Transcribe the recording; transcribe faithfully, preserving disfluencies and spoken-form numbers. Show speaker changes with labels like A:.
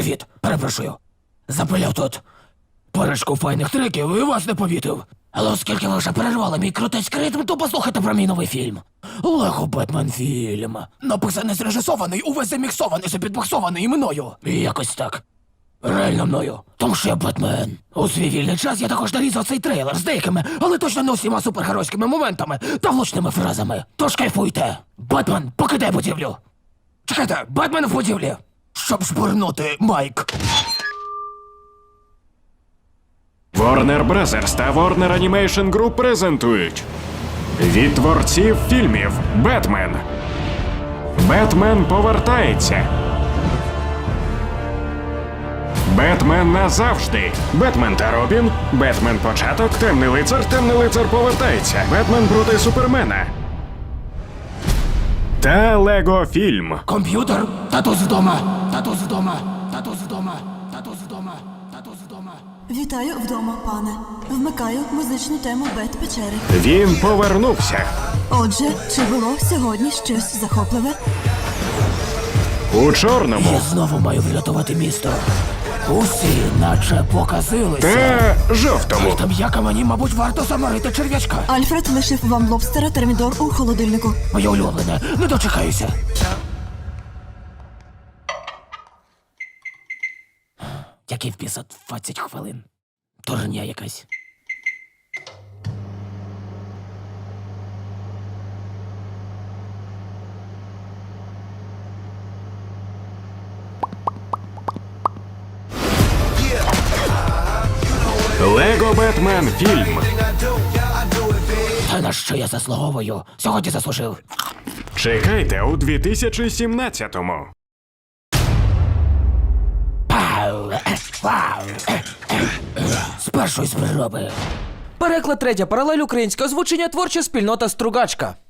A: Привіт, перепрошую. Запиляв тут парочку файних треків і вас не помітив. Але оскільки ви вже перервали мій крутецький ритм, то послухайте про мій новий фільм. Лего Бетмен фільм. Написаний, зрежисований, увесь заміксований, запідбоксований мною. І якось так. Реально мною. Тому що я Бетмен. У свій вільний час я також нарізав цей трейлер з деякими, але точно не усіма супергеройськими моментами та влучними фразами. Тож кайфуйте. Бетмен, покидай будівлю. Чекайте, Бетмен в будівлі. Щоб шпурнути, Майк.
B: Warner Brothers та Warner Animation Group презентують від творців фільмів «Бетмен». «Бетмен повертається». «Бетмен назавжди». «Бетмен та Робін». «Бетмен початок». «Темний лицар». «Темний лицар повертається». «Бетмен проти Супермена». Та Лего фільм.
A: Комп'ютер, татус вдома, татус вдома, татус вдома, татус вдома, татус вдома.
C: Вітаю вдома, пане. Вмикаю музичну тему Бет-печери.
B: Він повернувся.
C: Отже, чи було сьогодні щось захопливе?
B: У чорному.
A: Я знову маю врятувати місто. Усі наче показилися.
B: Та жовтому.
A: Там яка мені, мабуть, варто заморити черв'ячка.
C: Альфред лишив вам лобстера термідор у холодильнику.
A: Моє улюблене, не дочекаюся. Який в біса двадцять хвилин. Турня якась.
B: Лего Бетмен фільм.
A: Та на що я заслуговую? Сьогодні заслужив.
B: Чекайте у дві тисячі сімнадцятому.
A: Пау! Е, Вау! Е, е, е. З першої спроби.
D: Переклад третя паралель, українське озвучення, творча спільнота Стругачка.